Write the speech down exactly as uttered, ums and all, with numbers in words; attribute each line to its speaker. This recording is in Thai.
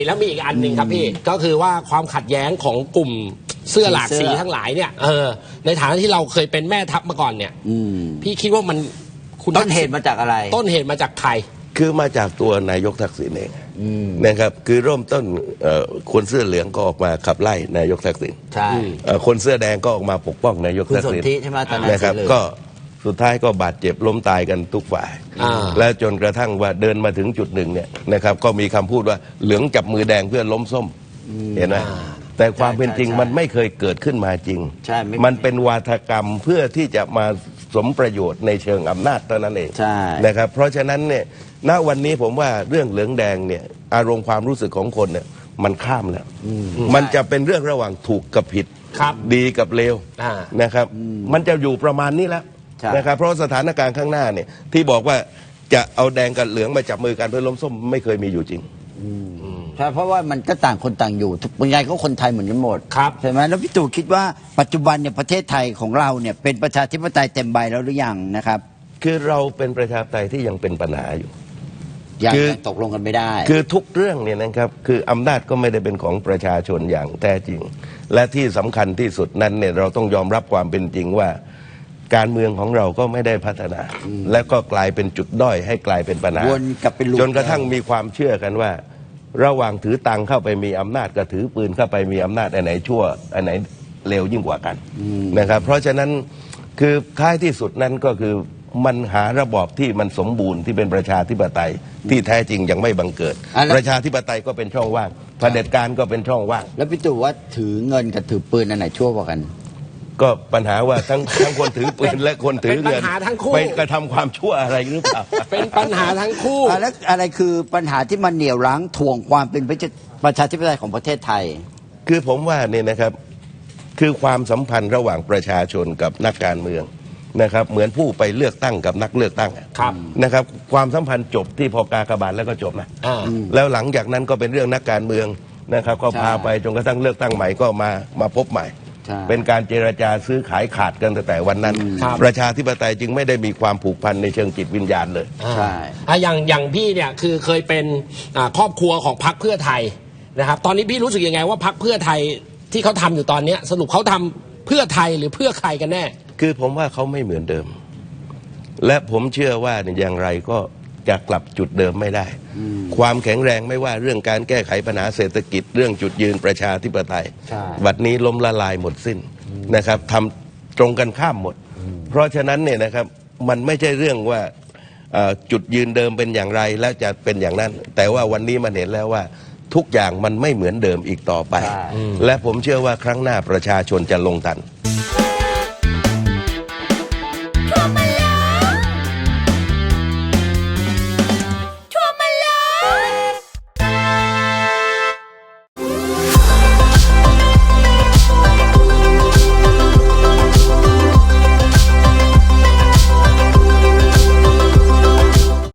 Speaker 1: แล้วมีอีกอันหนึ่งครับพี่ก็คือว่าความขัดแย้งของกลุ่มเสื้อหลากสีทั้งหลายเนี่ยเออในฐานะที่เราเคยเป็นแม่ทัพมาก่อนเนี่ยพี่คิดว่ามัน
Speaker 2: ต้นเหตุมาจากอะไร
Speaker 1: ต้นเหตุมาจากใคร
Speaker 3: คือมาจากตัวนายกทักษิณเองนะครับคือเริ่มต้นคนเสื้อเหลืองก็ออกมาขับไล่นายกทักษิณ
Speaker 2: ใช่
Speaker 3: คนเสื้อแดงก็ออกมาปกป้องนายกทักษิณ
Speaker 2: ใช่ไหมตอนนั้น
Speaker 3: นะครับก็สุดท้ายก็บาดเจ็บล้มตายกันทุกฝ่ายและจนกระทั่งว่าเดินมาถึงจุดหนึ่งเนี่ยนะครับก็มีคำพูดว่าเหลืองจับมือแดงเพื่อล้มส้มเห็นไหมแต่ความเป็นจริงมันไม่เคยเกิดขึ้นมาจริงมันเป็นวาทกรรมเพื่อที่จะมาสมประโยชน์ในเชิงอำนาจเท่านั้นเองนะครับเพราะฉะนั้นเนี่ยณวันนี้ผมว่าเรื่องเหลืองแดงเนี่ยอารมณ์ความรู้สึกของคนเนี่ยมันข้ามแล้วมันจะเป็นเรื่องระหว่างถูกกับผิดดีกับเลวนะครับมันจะอยู่ประมาณนี้แล้วนะครับเพราะสถานการณ์ข้างหน้าเนี่ยที่บอกว่าจะเอาแดงกับเหลืองมาจับมือกันเพื่อล้มส้มไม่เคยมีอยู่จริง
Speaker 2: ใช่เพราะว่ามันก็ต่างคนต่างอยู่ยังไงก็คนไทยเหมือนกันหมดใช่ไหมแล้วพี่ตู่คิดว่าปัจจุบันเนี่ยประเทศไทยของเราเนี่ยเป็นประชาธิปไตยเต็มใบแล้วหรือยังนะครับ
Speaker 3: คือเราเป็นประชาธิปไตยที่ยังเป็นปัญหาอยู่
Speaker 2: ยังตกลงกันไม่ได้
Speaker 3: คือทุกเรื่องเนี่ยนะครับคืออำนาจก็ไม่ได้เป็นของประชาชนอย่างแท้จริงและที่สำคัญที่สุดนั้นเนี่ยเราต้องยอมรับความเป็นจริงว่าการเมืองของเราก็ไม่ได้พัฒนาและก็กลายเป็นจุดด้อยให้กลายเป็นปัญหาจนกระทั่งมีความเชื่อกันว่าระหว่างถือตังเข้าไปมีอำนาจกับถือปืนเข้าไปมีอำนาจอันไหนชั่วอันไหนเลวยิ่งกว่ากันนะครับเพราะฉะนั้นคือท้ายที่สุดนั้นก็คือมันหาระบอบที่มันสมบูรณ์ที่เป็นประชาธิปไตยที่แท้จริงยังไม่บังเกิดประชาธิปไตยก็เป็นช่องว่างเผด็จการก็เป็นช่องว่าง
Speaker 2: แล้วพี่ตู่ว่าถือเงินกับถือปืนอันไหนชั่วกว่ากัน
Speaker 3: ก็ปัญหาว่าทั้งทั้งคนถือปืนและคนถือเงินไปกระทำความชั่วอะไรหรือเปล่า
Speaker 1: เป็นปัญหาทั้งคู่
Speaker 2: แล้วอะไรคือปัญหาที่มันเหนี่ยวรั้งถ่วงความเป็นประชาธิปไตยของประเทศไทย
Speaker 3: คือผมว่าเนี่ยนะครับคือความสัมพันธ์ระหว่างประชาชนกับนักการเมืองนะครับเหมือนผู้ไปเลือกตั้งกับนักเลือกตั้งนะครับความสัมพันธ์จบที่พอกากบาทแล้วก็จบนะแล้วหลังจากนั้นก็เป็นเรื่องนักการเมืองนะครับก็พาไปจนกระทั่งเลือกตั้งใหม่ก็มามาพบใหม่เป็นการเจรจาซื้อขายขาดกันตั้งแต่วันนั้นประชาธิปไตยจึงไม่ได้มีความผูกพันในเชิงจิตวิญญาณเลย
Speaker 1: ใช่อย่างอย่างพี่เนี่ยคือเคยเป็นครอบครัวของพรรคเพื่อไทยนะครับตอนนี้พี่รู้สึกยังไงว่าพรรคเพื่อไทยที่เขาทำอยู่ตอนนี้สรุปเขาทำเพื่อไทยหรือเพื่อใครกันแน่
Speaker 3: คือผมว่าเขาไม่เหมือนเดิมและผมเชื่อว่าอย่างไรก็จะกลับจุดเดิมไม่ได้ความแข็งแรงไม่ว่าเรื่องการแก้ไขปัญหาเศรษฐกิจเรื่องจุดยืนประชาธิปไตยบัดนี้ล้มละลายหมดสิ้นนะครับทำตรงกันข้ามหมดเพราะฉะนั้นเนี่ยนะครับมันไม่ใช่เรื่องว่าจุดยืนเดิมเป็นอย่างไรแล้วจะเป็นอย่างนั้นแต่ว่าวันนี้มันเห็นแล้วว่าทุกอย่างมันไม่เหมือนเดิมอีกต่อไปและผมเชื่อว่าครั้งหน้าประชาชนจะลงทัน